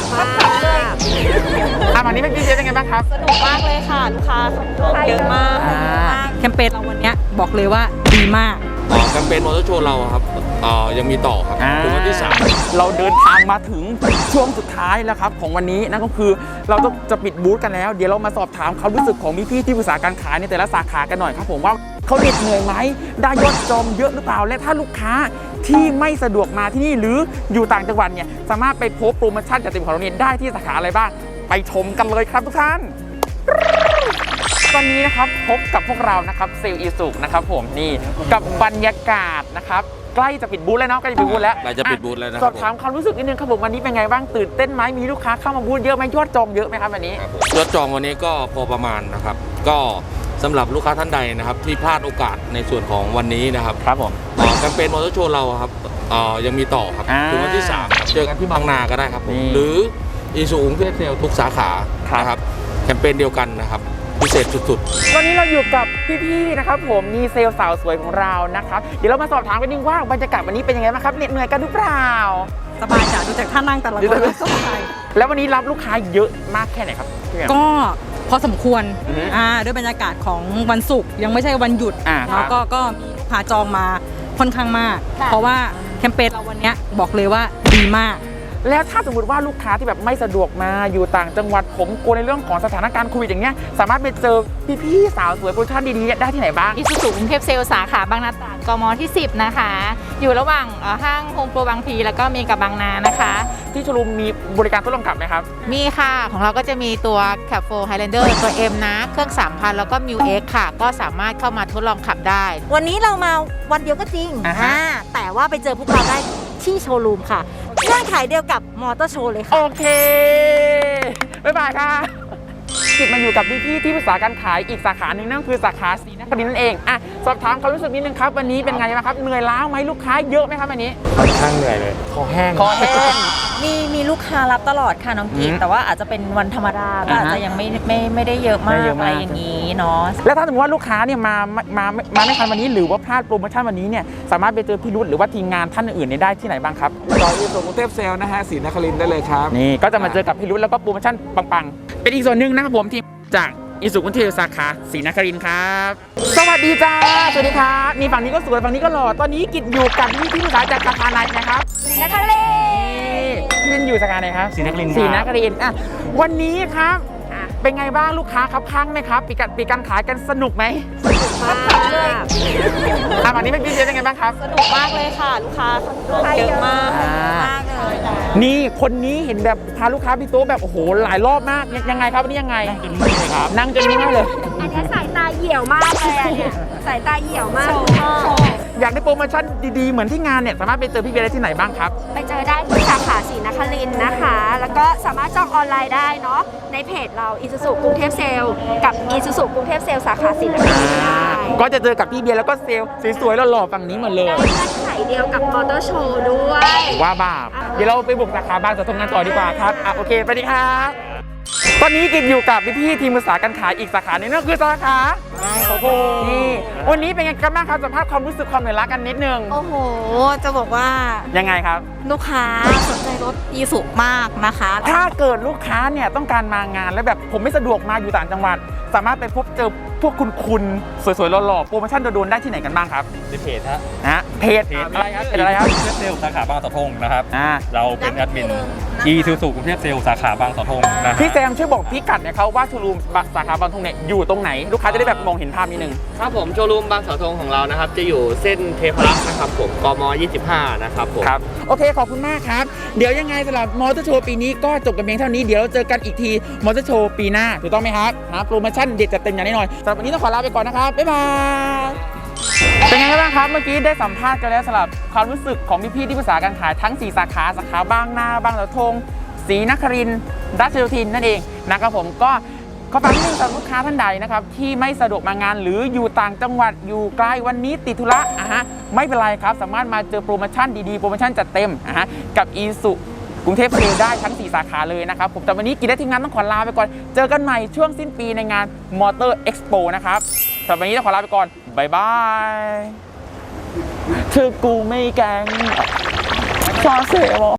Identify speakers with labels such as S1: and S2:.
S1: มาก
S2: วันนี้พี่เจเป็นไงบ้างครับ
S1: สนุกมากเลยค่ะลูกค้าเยอะมาก
S3: แคมเปญเราวันนี้บอกเลยว่าดีมาก
S4: แคมเปญมอเตอร์โชว์เราครับยังมีต่อครับถึงวันที่3
S2: เราเดินทางมาถึงช่วงสุดท้ายแล้วครับของวันนี้นั่นก็คือเราจะปิดบูธกันแล้วเดี๋ยวเรามาสอบถามความรู้สึกของพี่ๆที่ปรึกษาการขายในแต่ละสาขากันหน่อยครับผมว่าเขาเหน็ดเหนื่อยไหมได้ยอดจองเยอะหรือเปล่าและถ้าลูกค้าที่ไม่สะดวกมาที่นี่หรืออยู่ต่างจังหวัดเนี่ยสามารถไปพบโปรโมชั่นจัดเต็มของเราเนี่ยได้ที่สาขาอะไรบ้างไปชมกันเลยครับทุกท่านตอนนี้นะครับพบกับพวกเรานะครับเซลล์อีสุนะครับผมนี่กับบรรยากาศนะครับใกล้จะปิดบูธแล้วเนาะใกล้จะปิดบูธแล้ว
S4: ใกล้จะปิดบูธแล้วนะ
S2: สอบถามความรู้สึกนิดนึงครับผมวันนี้เป็นไงบ้างตื่นเต้นไหมมีลูกค้าเข้ามาบูธเยอะไหมยอดจองเยอะไหมครับวันนี้
S4: ยอดจองวันนี้ก็พอประมาณนะครับก็สำหรับลูกค้าท่านใดนะครับที่พลาดโอกาสในส่วนของวันนี้นะครับ
S2: ครับผม
S4: แคมเปญมอเตอร์โชว์เราครับยังมีต่อครับถึงวันที่3เจอกันที่บางนาก็ได้ครับผมหรืออีซูกรุงเทพเซลทุกสาขานะครับแคมเปญเดียวกันนะครับพิเศษสุด
S2: ๆวันนี้เราอยู่กับพี่ๆนะครับผมมีเซลล์สาวสวยของเรานะครับเดี๋ยวเรามาสอบถามกันดีว่าบรรยากาศวันนี้เป็นยังไงบ้างครับเหน็ดเหนื่อยกันหรือเปล่า
S3: สบายจ้ะดูจากท่านั่งแต่ละคนสบาย
S2: แล้ววันนี้รับลูกค้าเยอะมากแค่ไหนครับ
S3: ก็พอสมควรด้วยบรรยากาศของวันศุกร์ยังไม่ใช่วันหยุดแล้วก็มีลูกค้าจองมาค่อนข้างมากเพราะว่าแคมเปญเราวันนี้บอกเลยว่าดีมาก
S2: แล้วถ้าสมมติว่าลูกค้าที่แบบไม่สะดวกมาอยู่ต่างจังหวัดผมกลัวในเรื่องของสถานการณ์โควิดอย่างเงี้ยสามารถไปเจอพี่ๆสาวสวยโปรโมชั่นดีๆได้ที่ไหนบ้าง
S1: อีซูซูกรุงเทพเซลสาขาบางนาตราดกมที่10นะคะอยู่ระหว่างห้างโฮมโปรบางพลีแล้วก็มีกับบางนานะคะ
S2: ที่โชว์รูมมีบริการทดลองขับไหมครับ
S1: มีค่ะของเราก็จะมีตัว Cab 4 Highlander ตัว M นะเครื่อง 3,000 แล้วก็ Mu X ค่ะก็สามารถเข้ามาทดลองขับได้
S5: วันนี้เรามาวันเดียวก็จริงแต่ว่าไปเจอพวกเราได้ที่โชว์รูมค่ะเงื่อนไขเดียวกับมอเตอร์โชว์เลยค่ะ
S2: โอเคบ๊ายบายค่ะกิจมาอยู่กับพี่ๆที่ปรึกษาการขายอีกสาขาหนึ่งนั่นคือสาขาศรีนครินทร์นั่นเองสอบถามความรู้สึกนิดนึงครับวันนี้เป็นไงบ้างครับเหนื่อยล้าไหมลูกค้าเยอะไหมครับวันนี้
S4: ค่อนข้างเหนื่อยเลยคอแห้ง
S5: มีลูกค้ารับตลอดค่ะน้องกีแต่ว่าอาจจะเป็นวันธรรมดาก็อาจจะยังไม่ได้เยอะมากอะไรอย่างนี้เนาะ
S2: แล้วถ้าสมมติว่าลูกค้าเนี่ยมาไม่ทันวันนี้หรือว่าพลาดโปรโมชั่นวันนี้เนี่ยสามารถไปเจอพี่รุ่หรือว่าทีมงานท่านอื่นๆได้ที่ไหนบ้างครับ
S4: ต่ออีซูกรุงเทพเซลนะฮะศรีนครินทร์ได้เลยครับ
S2: นี่ก็จะมาเจอกับพี่รุ่แล้วก็โปรโมชั่นปังๆเป็นอีกส่วนหนึ่งนะครับผมทีมจากอีซูกรุงเทพสาขาศรีนครินทร์ครับสวัสดีจ้าสวัสดีครับนี่ฝั่งนี้ก็สวยฝั่งนี้ก็หล่อตอนนี้กิจอยู่กับพี่ที่ปรึกษาจากสาขาไหนนะครับ
S5: ศรีนครินทร์
S2: พี่อยู่สาขาไหนครับ
S4: ศรีนครินทร์
S2: วันนี้ครับเป็นไงบ้างลูกค้าครับข้างไหมครับปีการขายกันสนุกไหม
S5: สนุกมากเลย
S2: วันนี้พี่เจเป็นไงบ้างครับ
S1: สนุกมากเลยค่ะลูกค้าเยอะมาก
S5: เลย
S2: นี่คนนี้เห็นแบบพาลูกค้าพี่โต๊ะแบบโอ้โหหลายรอบมากยังไงครับวันนี้ยังไงนั่งจนนิ่งเลย
S5: อันนี้สายตาเหี่ยวมากเลยเนี่ยสายตาเหี่ยวมาก
S2: อยากได้โปรโมชั่นดีๆเหมือนที่งานเนี่ยสามารถไปเจอพี่เบียร์ได้ที่ไหนบ้างครับ
S5: ไปเจอได้ที่สาขาศรีนครินทร์นะคะแล้วก็สามารถจองออนไลน์ได้เนาะในเพจเราอีซูซูกรุงเทพเซลกับอีซูซูกรุงเทพเซลสาขาศรีนครินทร์ได้
S2: ก็จะเจอกับพี่เบียร์แล้วก็เซลล์สวยๆหล่อๆฝั่งนี้หมดเลย
S5: ได้เงื่อนไขเดียวกับมอเตอร์โชว์ด้วย
S2: ว่าบ้าเดี๋ยวเราไปบุกสาขาบางสะทงกันต่อดีกว่าครับโอเคไปดีครับตอนนี้กิจอยู่กับพี่ๆทีมปรึกษาการขายอีกสาขาหนึ่งนั่นคือสาขาโอ้โหนี่วันนี้เป็นไงกันบ้างครับสัมภาษณ์ความรู้สึกความเหนื่อยล้ากันนิดนึง
S5: โอ้โหจะบอกว่า
S2: ยังไงครับ
S5: ลูกค้าสนใจรถอีซูมากนะคะ
S2: ถ้าเกิดลูกค้าเนี่ยต้องการมางานแล้วแบบผมไม่สะดวกมาอยู่ต่างจังหวัดสามารถไปพบเจอพวกคุณสวยๆหล่อๆโปรโมชั่นโดนๆได้ที่ไหนกันบ้างครับ
S4: ในเพจ
S2: เพจอะไรครับเพจอะไรครับ
S4: กรุงเทพเซลสาขาบางเสาธงนะครับเราเป็นแอดมินอีซูซูกรุงเทพเซลสาขาบางเสาธงนะ
S2: พี่แซมช่วยบอกพี่กัดเนี่ยเขาว่าโชว์รูมสาขาบางเสาธงเนี่ยอยู่ตรงไหนลูกค้าจะได้แบบมองเห็นภาพนิดนึง
S6: ครับผมโชว์รูมบางเสาธงของเรานะครับจะอยู่เส้นเทพรักษ์นะครับผมกม25นะครับผม
S2: ครับโอเคขอบคุณมากครับเดี๋ยวยังไงสำหรับมอเตอร์โชว์ปีนี้ก็จบกันเพียงเท่านี้เดี๋ยวเราเจอกันอีกทีมอเตอร์โชว์ปีหน้าถูกต้องไหมครับโปรโมชั่นเด็ดจัดเต็มอย่างแน่นอนสำหรับวันนี้ต้องขอลาไปก่อนนะครับบ๊ายบายเป็นไงบ้างครับเมื่อกี้ได้สัมภาษณ์กันแล้วสำหรับความรู้สึกของพี่ๆที่ปรึกษาการขายทั้ง4สาขาบางนาบางเสาธงศรีนครินทร์ราชโยธินนั่นเองนะครับผมก็ขอฝากนิดนึงสำหรับลูกค้าท่านใดนะครับที่ไม่สะดวกมางานหรืออยู่ต่างจังหวัดอยู่ไกลวันนี้ติดธุระไม่เป็นไรครับสามารถมาเจอโปรโมชั่นดีๆโปรโมชั่นจัดเต็มกับอีซูกรุงเทพเซลได้ทั้ง4สาขาเลยนะครับผมแต่วันนี้กิจและทีมงานต้องขอลาไปก่อนเจอกันใหม่ช่วงสิ้นปีในงานมอเตอร์เอ็กซ์โปนะครับสำหรับวันนี้ต้องขอลาไปก่อนบ๊ายบายเธอกูไม่แกงชอเสียว